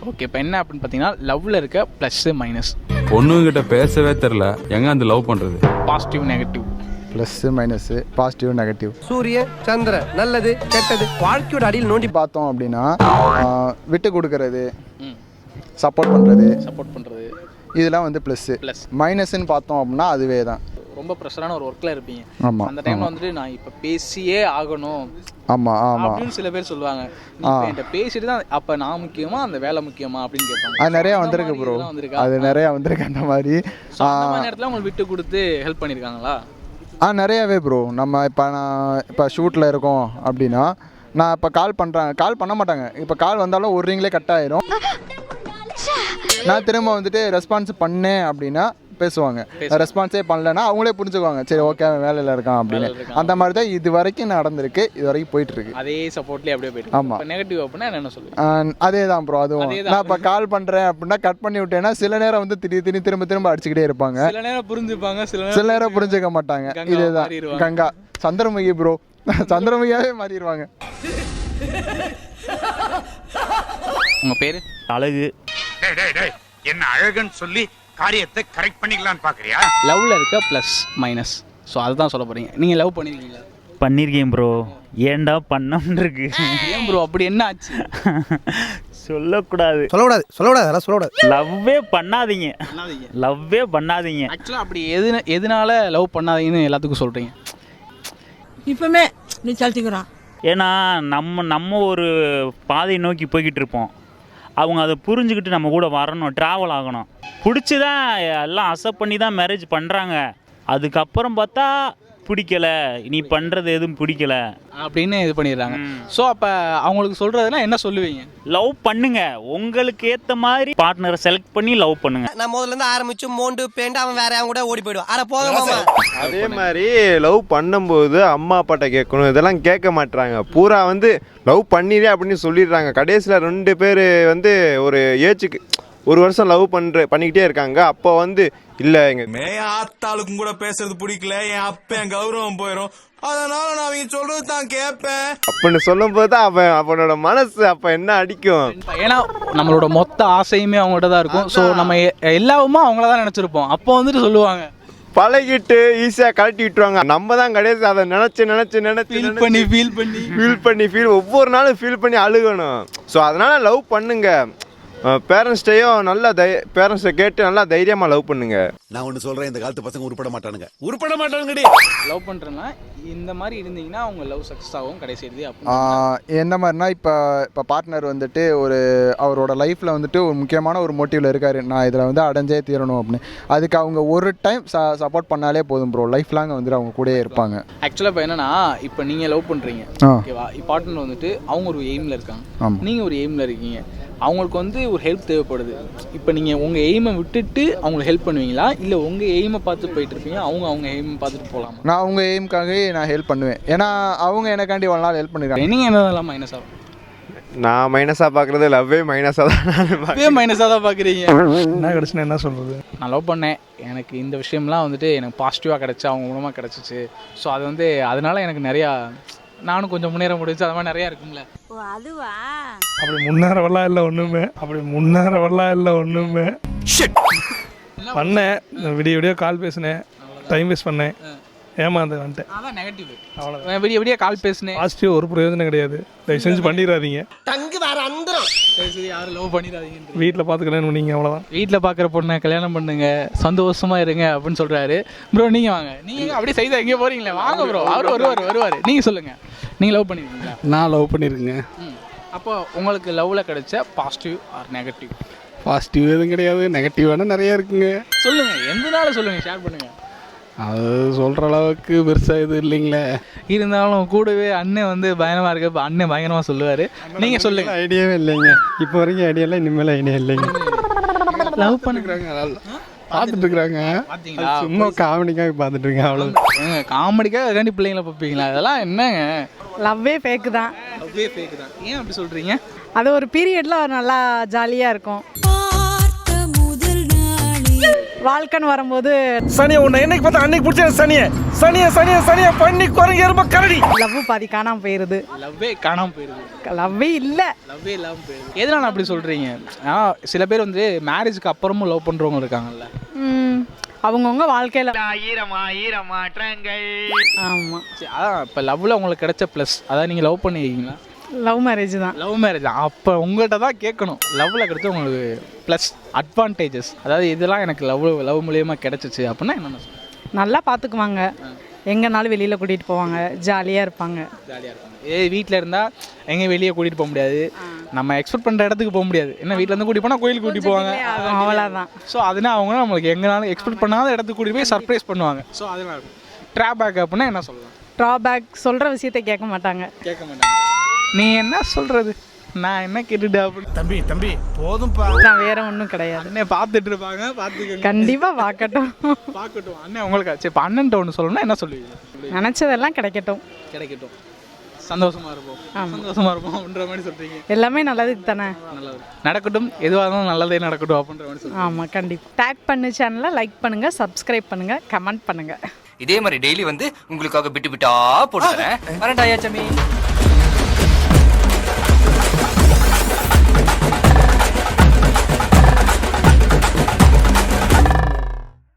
Okay, இப்போ என்ன அப்படின்னு பார்த்தீங்கன்னா லவ்வில் இருக்க ப்ளஸ் மைனஸ். பொண்ணுங்கிட்ட பேசவே தெரில, எங்கே அந்த லவ் பண்ணுறது? Positive negative. Plus minus, positive negative. சூரிய சந்திர நல்லது கெட்டது வாழ்க்கையோட அடியில் நோண்டி பார்த்தோம் அப்படின்னா விட்டு கொடுக்கறது, சப்போர்ட் பண்ணுறது இதெல்லாம் வந்து ப்ளஸ்ஸு. மைனஸ்ன்னு பார்த்தோம் அப்படின்னா அதுவே தான். ரொம்ப ப்ரெஷரான ஒரு ஒர்க்கில் இருப்பீங்க. ஆமாம், அந்த டைமில் வந்துட்டு நான் இப்போ பேசியே ஆகணும். ஆமாம் ஆமாம் அப்படின்னு சில பேர் சொல்லுவாங்க. என்கிட்ட பேசிட்டு தான் அப்போ நான் முக்கியமா அந்த வேலை முக்கியமா அப்படின்னு கேட்பாங்க. அது நிறையா வந்திருக்கு ப்ரோ, அது நிறையா வந்திருக்கு அந்த மாதிரி. அந்த மாதிரி நேரத்தில் உங்களுக்கு விட்டு கொடுத்து ஹெல்ப் பண்ணியிருக்காங்களா? நிறையாவே ப்ரோ. நான் இப்போ ஷூட்டில் இருக்கோம் அப்படின்னா நான் இப்போ கால் பண்ண மாட்டாங்க. இப்போ கால் வந்தாலும் ஒரு ரிங்லேயே கட் ஆயிரும். நான் திரும்ப வந்துட்டு ரெஸ்பான்ஸ் பண்ணேன் அப்படின்னா பேசுவாங்க. ரெஸ்பான்ஸே பண்ணலன்னா அவங்களே புரிஞ்சுக்குவாங்க, சரி ஓகே அவன் வேலையில் இருக்கான் அப்படின்னு. அந்த மாதிரி தான் இது வரைக்கும் நடந்திருக்கு, இது வரைக்கும் போயிட்டு இருக்கு. அதே சப்போர்ட்லேயே அப்படியே போயிட்டு. ஆமாம். நெகட்டிவ் அப்படின்னா என்ன சொல்லுவேன்? அதே தான் ப்ரோ. அதுவும் நான் இப்போ கால் பண்ணுறேன் அப்படின்னா கட் பண்ணி விட்டேன்னா சில நேரம் வந்து திடீர்னு திரும்ப அடிச்சுக்கிட்டே இருப்பாங்க. சில நேரம் புரிஞ்சுப்பாங்க, சில நேரம் புரிஞ்சுக்க மாட்டாங்க. இதுதான் கங்கா சந்திரமுகி ப்ரோ, சந்திரமுகியாவே மாறிடுவாங்க. உங்க பேரு? அழகு. என்ன அழகுன்னு சொல்லி காரியத்தை கரெக்ட் பண்ணிக்கலாம்னு பாக்குறியா? லவ்ல இருக்க ப்ளஸ் மைனஸ். ஸோ அதுதான் சொல்ல போறீங்க. நீங்க லவ் பண்ணிருக்கீங்களா? பண்ணியிருக்கேன் ப்ரோ. ஏன்டா பண்ணம்னு இருக்கு. ஏன் ப்ரோ அப்படி என்ன ஆச்சு? சொல்லக்கூடாது. அதெல்லாம் சொல்லக்கூடாது. லவ்வே பண்ணாதீங்க. ஆக்சுவலாக அப்படி எதனால லவ் பண்ணாதீங்கன்னு எல்லாத்துக்கும் சொல்றீங்க? இப்பவுமே நீ சல்த்திக்கிறான். ஏன்னா நம்ம ஒரு பாதையை நோக்கி போய்கிட்டு இருப்போம். அவங்க அதை புரிஞ்சுக்கிட்டு நம்ம கூட வரணும், ட்ராவல் ஆகணும். பிடிச்சி தான் எல்லாம் அக்செப்ட் பண்ணி தான் மேரேஜ் பண்ணுறாங்க. அதுக்கப்புறம் பார்த்தா பிடிக்கல, நீ பண்ணுறது எதுவும் பிடிக்கல அப்படின்னு இது பண்ணிடுறாங்க. ஸோ அப்போ அவங்களுக்கு சொல்கிறதுனா என்ன சொல்லுவீங்க? லவ் பண்ணுங்க, உங்களுக்கு ஏற்ற மாதிரி பார்ட்னரை செலக்ட் பண்ணி லவ் பண்ணுங்க. நான் முதல்ல இருந்து ஆரம்பிச்சு மோண்டு பேண்டு அவன் வேற அவன் கூட ஓடி போயிடுவான். அட போக. அதே மாதிரி லவ் பண்ணும்போது அம்மா அப்பாட்ட கேட்கணும், இதெல்லாம் கேட்க மாட்டாங்க. பூரா வந்து லவ் பண்ணிடுறேன் அப்படின்னு சொல்லிடுறாங்க. கடைசியில் 2 பேர் வந்து ஒரு ஏஜுக்கு 1 வருஷம் லவ் பண்ணிக்கிட்டே இருக்காங்க. அப்போ வந்து இல்லை எங்கள் ஆத்தாளுக்கும் கூட பேசுறது பிடிக்கல, என் அப்ப என் கௌரவம் போயிடும், அதனால நான் அவங்க சொல்றது தான் கேட்பேன் அப்படின்னு சொல்லும் போது தான் அவனோட மனசு அப்போ என்ன அடிக்கும். ஏன்னா நம்மளோட மொத்த ஆசையுமே அவங்கள்ட்ட தான் இருக்கும். ஸோ நம்ம எல்லாமே அவங்கள தான் நினச்சிருப்போம். அப்போ வந்துட்டு சொல்லுவாங்க, பழகிட்டு ஈஸியாக கழட்டி விட்டுருவாங்க. நம்ம தான் கடைசி அதை ஃபீல் பண்ணி ஒவ்வொரு நாளும் ஃபீல் பண்ணி அழுகணும். ஸோ அதனால லவ் பண்ணுங்க. பேரண்ட்ஸ்டையும் நல்லா பேரண்ட்ஸை கேட்டு நல்லா தைரியமாக லவ் பண்ணுங்க. நான் ஒன்று சொல்கிறேன், இந்த காலத்து பசங்க உருப்பட மாட்டானுங்க. லவ் பண்ணுறேன்னா இந்த மாதிரி இருந்தீங்கன்னா அவங்க லவ் சக்ஸஸ் ஆகும் கடைசி இறுதி. எந்த மாதிரினா இப்போ பார்ட்னர் வந்துட்டு அவரோட லைஃப்பில் வந்துட்டு ஒரு முக்கியமான ஒரு மோட்டிவில் இருக்காரு, நான் இதில் வந்து அடைஞ்சே தீரணும் அப்படின்னு. அதுக்கு அவங்க ஒரு டைம் சப்போர்ட் பண்ணாலே போதும் ப்ரோ, லைஃப் லாங் வந்துட்டு அவங்க கூடயே இருப்பாங்க. ஆக்சுவலாக இப்போ என்னன்னா, இப்போ நீங்கள் லவ் பண்ணுறீங்க ஓகேவா, பார்ட்னர் வந்துட்டு அவங்க ஒரு எய்மில் இருக்காங்க, நீங்கள் ஒரு எய்மில் இருக்கீங்க. அவங்களுக்கு வந்து ஒரு ஹெல்ப் தேவைப்படுது. இப்போ நீங்கள் உங்கள் எய்மை விட்டுட்டு அவங்களுக்கு ஹெல்ப் பண்ணுவீங்களா, இல்லை உங்கள் எய்மை பார்த்து போயிட்டு இருப்பீங்க, அவங்க எய்மை பார்த்துட்டு போகலாமா? நான் அவங்க எய்முக்காகவே நான் ஹெல்ப் பண்ணுவேன். ஏன்னா அவங்க எனக்காண்டி ஒரு நாள் ஹெல்ப் பண்ணிருக்காங்க. நீங்கள் என்னதெல்லாம் மைனஸ் ஆகும்? நான் மைனஸாக பார்க்குறது லவ்வே மைனஸாக தான் பார்க்குறீங்க. என்ன கிடச்சுன்னா என்ன சொல்கிறது? நான் லவ் பண்ணேன், எனக்கு இந்த விஷயம்லாம் வந்துட்டு எனக்கு பாசிட்டிவாக கிடச்சி அவங்க மூலமாக கிடச்சிச்சு. ஸோ அது வந்து அதனால எனக்கு நிறையா நானும் கொஞ்சம் முன்னேற முடிஞ்சு. அது மாதிரி நிறையா இருக்கும்ல. ஓ அதுவா? அப்படி முன்னேறவெல்லாம் இல்லை ஒன்றுமே. பண்ணேன், விடிய கால் பேசினேன், டைம் வேஸ்ட் பண்ணேன், ஏமாந்து வந்துட்டேன். அதான் நெகட்டிவ். அவ்வளோதான். விடிய கால் பேசினேன். பாசிட்டிவ் ஒரு பிரயோஜனம் கிடையாது. தயவு செஞ்சு பண்ணிடாதீங்க. தங்கு வேற அந்தரம். யாரும் லவ் பண்ணிடாதீங்க. வீட்டில் பார்த்து கல்யாணம் பண்ணீங்க, அவ்வளோதான். வீட்டில் பார்க்குற பொண்ணை கல்யாணம் பண்ணுங்க, சந்தோஷமாக இருங்க அப்படின்னு சொல்கிறாரு ப்ரோ. நீங்கள் வாங்க, நீங்கள் அப்படியே செய்தா எங்கேயோ போகிறீங்களே, வாங்க ப்ரோ. அவர் வருவார். நீங்கள் சொல்லுங்கள், நீங்கள் லவ் பண்ணியிருக்கீங்களா? நான் லவ் பண்ணியிருக்கேங்க. அப்போ உங்களுக்கு லவ்வில் கிடைச்ச பாசிட்டிவ் ஆர் நெகட்டிவ்? பாசிட்டிவ் எதுவும் கிடையாது, நெகட்டிவான நிறையா இருக்குங்க. சொல்லுங்கள், எந்தனால சொல்லுங்கள், ஷேர் பண்ணுங்கள். அது சொல்கிற அளவுக்கு பெருசாக இது இல்லைங்களே. இருந்தாலும் கூடவே அண்ணன் வந்து பயங்கரமாக இருக்கு. இப்போ அண்ணன் பயங்கரமாக சொல்லுவார். நீங்கள் சொல்லுங்கள். ஐடியாவே இல்லைங்க இப்போ வரைக்கும். ஐடியாலாம் இனிமேல் ஐடியா இல்லைங்க. லவ் பண்ணுறாங்க, பார்த்துட்டு இருக்கிறாங்க. சும்மா காமெடிக்காக பார்த்துட்டு இருக்கேன், அவ்வளோ. காமெடிக்காக ரெண்டு பிள்ளைங்களை பார்ப்பீங்களா? அதெல்லாம் என்னங்க? லவ்வே ஃபேக்கு தான். ஏன் அப்படி சொல்கிறீங்க? அது ஒரு பீரியடில் நல்லா ஜாலியாக இருக்கும். வாழ்க்கைன்னு வரும்போது சனியை உன்னை என்னைக்கு பார்த்தா அன்னைக்கு பிடிச்ச சனியை பண்ணி குறைங்க ரொம்ப கரடி. லவ் பாதி காணாமல் போயிடுது. லவ்வே காணாமல் போயிடுது. லவ்வே இல்லை. லவ்வே இல்லாமல் போயிடுது. எதனால் அப்படி சொல்கிறீங்க? சில பேர் வந்து மேரேஜுக்கு அப்புறமும் லவ் பண்ணுறவங்க இருக்காங்கல்ல. அவங்கவுங்க வாழ்க்கையில் ஆமாம். சரி, அதான் இப்போ லவ்வில் உங்களுக்கு கிடைச்ச ப்ளஸ், அதாவது நீங்கள் லவ் பண்ணியிருக்கீங்களா? லவ் மேரேஜ் தான். லவ் மேரேஜ் தான். அப்போ உங்கள்கிட்ட தான் கேட்கணும், லவ்வில் கிடைச்ச உங்களுக்கு ப்ளஸ் அட்வான்டேஜஸ், அதாவது இதெல்லாம் எனக்கு லவ் மூலியமாக கிடச்சிச்சு அப்படின்னா என்னென்ன சொல்லுங்கள்? நல்லா பார்த்துக்குவாங்க, எங்கேனாலும் வெளியில் கூட்டிகிட்டு போவாங்க, ஜாலியாக இருப்பாங்க. ஜாலியாக இருப்பாங்க. வீட்டில் இருந்தால் எங்கேயும் வெளியே கூட்டிகிட்டு போக முடியாது, நம்ம எக்ஸ்பெக்ட் பண்ணுற இடத்துக்கு போக முடியாது. ஏன்னா வீட்டிலேருந்து கூட்டிகிட்டு போனால் கோயிலுக்கு கூட்டிகிட்டு போவாங்க, அவ்வளோதான். ஸோ அதனால் அவங்க நம்மளுக்கு எங்கேனாலும் எக்ஸ்பெக்ட் பண்ணாத இடத்துக்கு கூட்டிகிட்டு போய் சர்ப்ரைஸ் பண்ணுவாங்க. ஸோ அதனால் ட்ராபேக் அப்படின்னா என்ன சொல்லலாம்? ட்ராபேக் சொல்கிற விஷயத்தை கேட்க மாட்டாங்க. கேட்க மாட்டாங்க. நீ என்ன சொல்கிறது, நான் என்ன கேட்டுட்டு அப்படின்னு. தம்பி போதும்பா. நான் வேற ஒன்றும் கிடையாது. அண்ணன் பார்த்துட்டு இருப்பாங்க, பார்த்துக்க. கண்டிப்பாக பார்க்கட்டும். பார்க்கட்டும். அண்ணன் உங்களுக்கு சரி, இப்போ அண்ணன்ட்ட ஒன்று சொல்லணும்னா என்ன சொல்லுவீங்க? நினச்சதெல்லாம் கிடைக்கட்டும். கிடைக்கட்டும், சந்தோஷமாக இருப்போம், சந்தோஷமாக இருப்போம் அப்படின்ற மாதிரி சொல்கிறீங்க. எல்லாமே நல்லதுக்கு தானே. நல்லது நடக்கட்டும், எதுவாக இருந்தாலும் நல்லதே நடக்கட்டும் அப்படின்ற மாதிரி சொல்லுங்கள். ஆமாம், கண்டிப்பாக. டேக் பண்ணு சேனலை லைக் பண்ணுங்கள், சப்ஸ்கிரைப் பண்ணுங்கள், கமெண்ட் பண்ணுங்கள். இதே மாதிரி டெய்லி வந்து உங்களுக்காக விட்டு விட்டா போட்டுறேன். வரண்டாயா சமி.